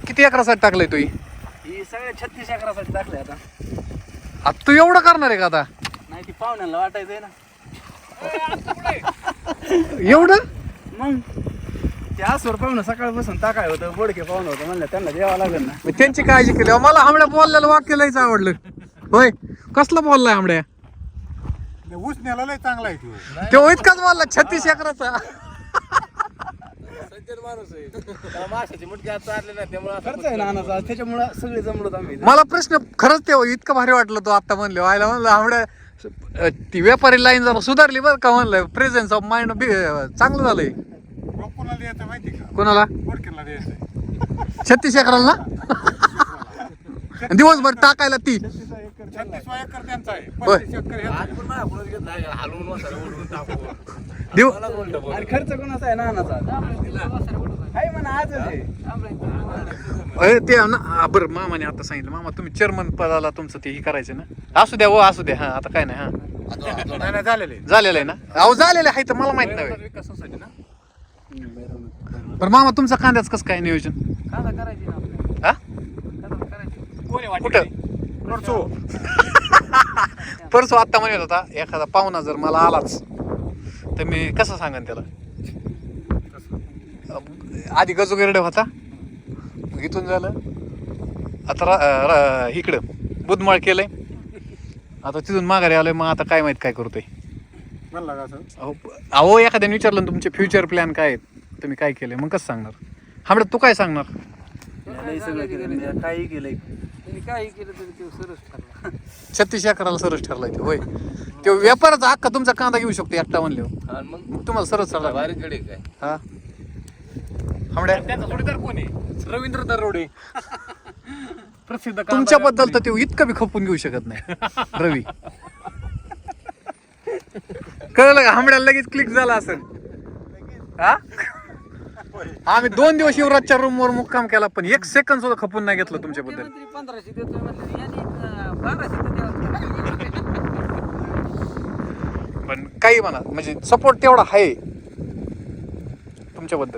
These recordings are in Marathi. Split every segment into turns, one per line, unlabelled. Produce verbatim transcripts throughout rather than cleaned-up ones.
किती एकरासाठी टाकलंय तू ही
ही सगळ्या छत्तीस एकरासाठी टाकले आता.
आता तू एवढं करणार आहे का आता
नाही ती पाहुण्याला वाटायचंय ना.
एवढं
मग ते आसवर पाहुणं सकाळपासून टाकाय होतं, बोडके पाहुणं होतं म्हणलं त्यांना द्यावं लागेल ना.
मी त्यांची काळजी केली. मला आमड्या बोललेलं वाक्य लयच आवडलं. होय कसलं बोललाय आमड्या?
ऊस न्यायला लय चांगला आहे तो.
तो इतकाच बोलला छत्तीस एकराचा.
माशाची मुटकी आज चालले ना त्यामुळे खर्च आहे ना नानाचा, त्याच्यामुळे सगळे जमलोत आम्ही.
मला प्रश्न खरंच ते इतकं भारी वाटलं. तो आता म्हणले व्हायला म्हणलं आमड्या ती व्यापारी लाईन जरा सुधारली बरं का म्हणलं. प्रेझेन्स ऑफ माइंड चांगलं झालंय.
कोणाला द्यायचं माहिती का?
कोणाला?
बोडकेला द्यायचंय.
छत्तीस एकराला ना दिवसभर टाकायला ती
छत्तीस एकर त्यांचा आहे.
होय.
पस्तीस एकर ह्याचा.
दिव
आणि खर्च कोणाचा आहे नानाचा? आहे म्हणा आजच आहे.
अरे ते ना हा, बरं मामाने आता सांगितलं. मामा तुम्ही चेअरमन पदाला तुमचं ते हे करायचं ना. असू द्या हो असू द्या. हा आता काय नाही. हा
नाही, नाही, झालेलं आहे.
झालेलं आहे ना. अहो झालेलं आहे तर मला माहित नाही.
विकासासाठी ना.
पण मामा तुमचं कांद्याच कसं काय नियोजन?
कांदा करायची ना आपल्याला.
हा
कांदा करायची.
कोणी वाटलं?
कुठं?
नोडसो.
परसो आत्ता म्हणत होता एखादा पाहुणा जर मला आलाच तर मी कसं सांगन त्याला. आधी गजू गिरडे होता, मग इथून झालं आता रा- रा- इकडं बुधमाळ केलंय, आता तिथून माघारी आलोय. मग आता काय माहित काय करतोय.
म्हणला का असं?
अहो अहो एखाद्याने विचारलं ना तुमचे फ्युचर प्लॅन काय आहेत, तुम्ही काय केलंय, मग कसं सांगणार? हांबड्या तू काय सांगणार?
लय सगळं केलं मी, काही केलंय. काही केलं तरी ते सरस ठरला.
छत्तीस एकराला सरस ठरलाय ते. होय तो व्यापाराचा हक्का तुमचा कांदा घेऊ शकतो एकटा म्हणले.
मग
मग तुम्हाला सरस ठरला.
बारीकडे काय
हा हांबड्या
त्याचा जोडीदार कोण आहे? रवींद्र दरोडे. प्रसिद्ध कांदा
तुमच्याबद्दल तर ते इतकं बी खपून घेऊ शकत नाही रवी. कळलं का? हांबड्याला लगेच क्लिक झाला असेल. हा आम्ही दोन दिवस युवराजच्या रूम वर मुक्काम केला पण एक सेकंद सुद्धा खपून नाही घेतलं तुमच्याबद्दल.
पंधराशे देतोय म्हणलं यांनी बाराशे तर द्यावं.
पण काही म्हणा म्हणजे सपोर्ट तेवढा आहे तुमच्याबद्दल.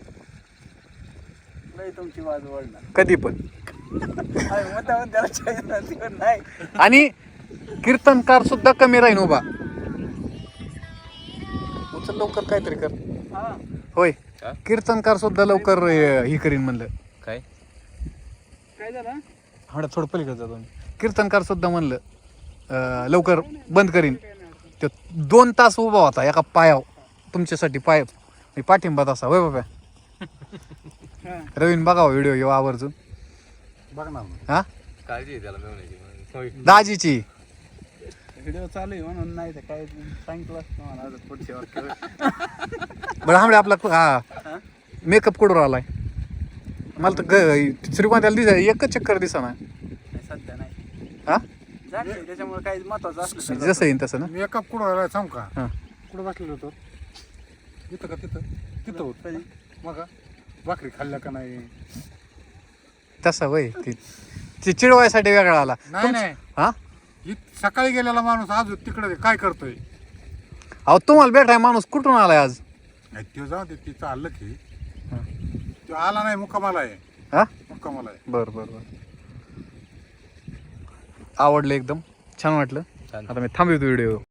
नाही तुमची बाजू वळणार.
कधी पण.
त्याला नाही.
आणि कीर्तनकार सुद्धा कमी राहीन उभा. उचल लवकर काहीतरी कर.
हा.
होय कीर्तनकार सुद्धा लवकर अं, हे करीन म्हणलं.
काय काय झालं?
हा थोडं पलीकडे जातो मी. कीर्तनकार सुद्धा म्हणलं अं, लवकर बंद करीन. तो दोन तास उभा होता एका पायाव तुमच्यासाठी. पाय मी पाठिंबा तसा. होय बाबा. रवीन बघा व्हिडिओ येऊ आवर्जून.
बघणार ना.
हा
काळजी आहे त्याला मिळवण्याची.
दाजीची
व्हिडिओ चालू आहे म्हणून नाही तर काय सांगितलं असतं मला आज पुढच्या वाक्य.
बरं हांबडे आपला हा मेकअप कुठवर आलाय? मला तर ग श्रीकांताला दिसा एकच चक्कर दिसा ना.
नाही सध्या नाही.
हा
जागते त्याच्यामुळे काही महत्वाचं असलं तर
जसं येईन तसं ना.
मी एका कुठं राहिला सांग का?
हा
कुठं बसलेलो होतो? इथं का तिथं? तिथं होत. मग भाकरी खाल्ल्या का नाही?
तसा वय ती ती चिडवायसाठी वेगळा आला.
नाही
तुमचं-
नाही.
हा
इत- सकाळी गेलेला माणूस आज तिकडे काय करतोय?
अहो तुम्हाला भेटाय माणूस कुठून आलाय आज?
नाही ते जाऊ दे, तिचं आलं की.
हा.
तो आला नाही, मुक्कामाला आहे.
हा
मुक्कामाला आहे.
बर बर बर आवडलं एकदम छान वाटलं. आता मी थांबवतो व्हिडिओ.